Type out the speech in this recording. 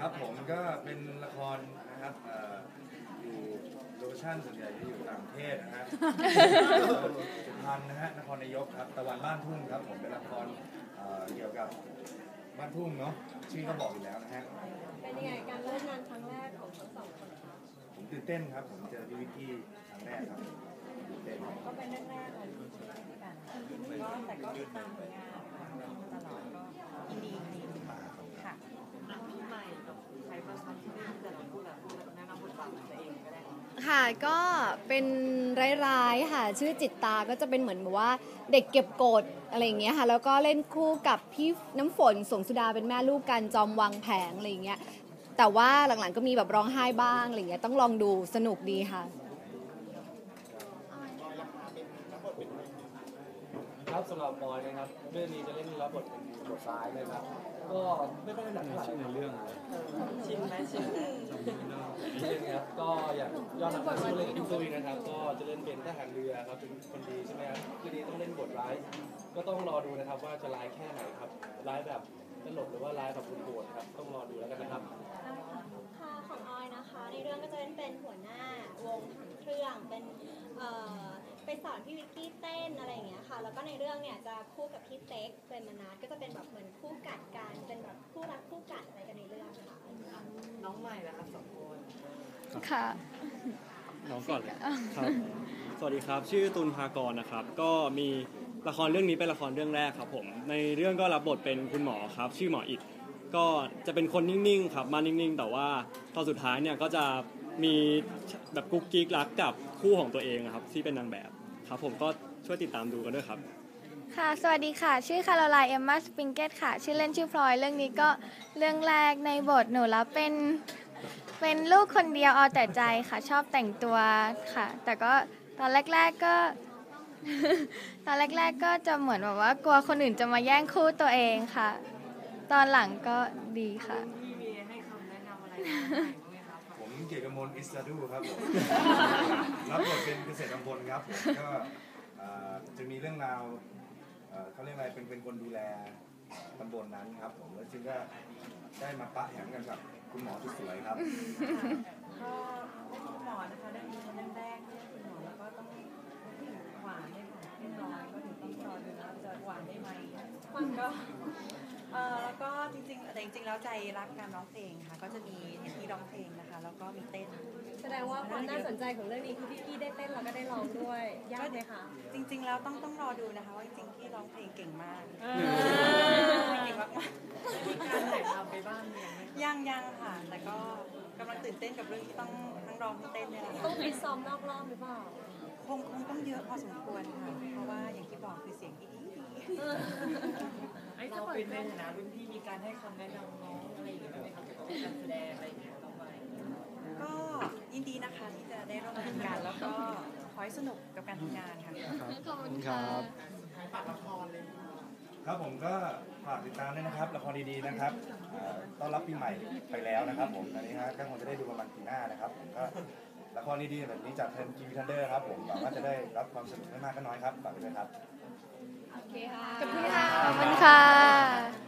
ครับผมก็เป็นละครนะครับอยู่โลเคชั่นส่วนใหญ่จะอยู่ต่างประเทศนะฮะสุพรรณนะฮะนครนายกครับตะวันบ้านทุ่งครับผมเป็นละครเกี่ยวกับบ้านทุ่งเนาะชื่อก็บอกอยู่แล้วนะฮะเป็นยังไงการร่วมงานครั้งแรกของทั้งสองคนครับผมตื่นเต้นครับผมเจอพี่วิกกี้ครั้งแรกครับตื่นเต้นก็เป็นแรกๆของที่ช่วยกันก็แต่ก็ติดตามผลงานตลอดก็ดีค่ะใหม่กับใครประชันที่แต่เราพูดแบบแนะนำบทบาทตัวเองก็ได้ค่ะก็เป็นร้ายๆค่ะชื่อจิตตาก็จะเป็นเหมือนแบบว่าเด็กเก็บกดอะไรอย่างเงี้ยค่ะแล้วก็เล่นคู่กับพี่น้ำฝนสงสุดาเป็นแม่ลูกกันจอมวางแผงอะไรอย่างเงี้ยแต่ว่าหลังๆก็มีแบบร้องไห้บ้างอะไรอย่างเงี้ยต้องลองดูสนุกดีค่ะครับสำหรับปอยนะครับเรื่องนี้จะเล่นรับบทเป็นบทซ้ายเลยครับก็ไม่ค่อยถนัดเท่าไหร่ในเรื่องชินไหมชินครับก็อย่างยอดนักสู้เล่นกับพี่ตุ้ยนะครับก็จะเล่นเป็นทหารเรือครับเป็นคนดีใช่ไหมครับคือดีต้องเล่นบทร้ายก็ต้องรอดูนะครับว่าจะร้ายแค่ไหนครับร้ายแบบตลกหรือว่าร้ายแบบโหดครับต้องรอดูแล้วกันนะครับค่ะของออยนะคะในเรื่องก็จะเป็นหัวหน้าวงถังเครื่องเป็นไปสอนพี่วิกกี้เต้นอะไรอย่างเงี้ยค่ะแล้วก็ในเรื่องเนี่ยจะคู่กับพี่เต็กเป็นมนัสก็จะเป็นแบบเหมือนคู่กัดกันเป็นแบบคู่รักคู่กัดอะไรกันในเรื่องค่ะน้องใหม่แล้วครับสองคนค่ะน้องก่อนเลยครับสวัสดีครับชื่อตุลภากรนะครับก็มีละครเรื่องนี้เป็นละครเรื่องแรกครับผมในเรื่องก็รับบทเป็นคุณหมอครับชื่อหมออิฐก็จะเป็นคนนิ่งๆครับมานิ่งๆแต่ว่าตอนสุดท้ายเนี่ยก็จะมีแบบกุ๊กกิ๊กรักกับคู่ของตัวเองครับที่เป็นนางแบบครับผมก็ช่วยติดตามดูกันด้วยครับค่ะสวัสดีค่ะชื่อคาโรไลน์เอมมาสปริงเกตค่ะชื่อเล่นชื่อพลอยเรื่องนี้ก็เรื่องแรกในบทหนูรับเป็นลูกคนเดียวเอาแต่ใจค่ะชอบแต่งตัวค่ะแต่ก็ตอนแรกๆก็ตอนแรกๆก็จะเหมือนแบบว่ากลัวคนอื่นจะมาแย่งคู่ตัวเองค่ะตอนหลังก็ดีค่ะพี่มีให้คำแนะนำอะไรไหมครับผมเกียรติกมลอิสราดูครับผมรับบทเป็นเกษตรพลครับผมก็จะมีเรื่องราวเขาเรียกอะไรเป็นคนดูแลตำบลนั้นครับผมแล้วจึงก็ได้มาปะแหมกันกับคุณหมอที่สวยครับก็คุณหมอนะคะเรื่องนี้เรื่องแรกที่คุณหมอแล้วก็ต้องหวานให้หวานให้น้อยก็ถึงต้องรอดูนะจะหวานได้ไหมมันก็แล้วก็จริงๆแล้วใจรักการร้องเพลงค่ะก็จะมีเห็นที่ร้องเพลงนะคะแล้วก็มีเต้นแสดงว่าความน่าสนใจของเรื่องนี้คือพี่กี้ได้เต้นแล้วก็ได้ร้องด้วยยากไหมคะจริงๆแล้วต้องรอดูนะคะว่าจริงๆที่ร้องเพลงเก่งมากเก่งมากๆมีการถ่ายทำไปบ้างยังค่ะแต่ก็กำลังตื่นเต้นกับเรื่องที่ต้องทั้งร้องทั้งเต้นเนี่ยแหละต้องไปซ้อมนอกรอบหรือเปล่าคงต้องเยอะพอสมควรค่ะเพราะว่าอย่างที่บอกคือเสียงที่ดีเราเป็นในฐานะรุ่นพี่มีการให้คำแนะนำน้องอะไรอย่างเงี้ยไหมครับเกี่ยวกับการแสดงอะไรอย่างเงี้ยต่อไปก็ยินดีนะคะที่จะได้ร่วมงานกันแล้วก็ขอให้สนุกกับการทำงานค่ะขอบคุณครับฝากละครเลยครับผมก็ฝากติดตามด้วยนะครับละครดีๆนะครับต้อนรับปีใหม่ไปแล้วนะครับผมตอนนี้ฮะก็คงจะได้ดูประมาณปีหน้านะครับผมก็ละครดีๆแบบนี้จากทีมทีวีทันเดอร์ครับผมหวังว่าจะได้รับความสนุกไม่มากก็น้อยครับฝากด้วยครับโอเคค่ะขอบคุณค่ะ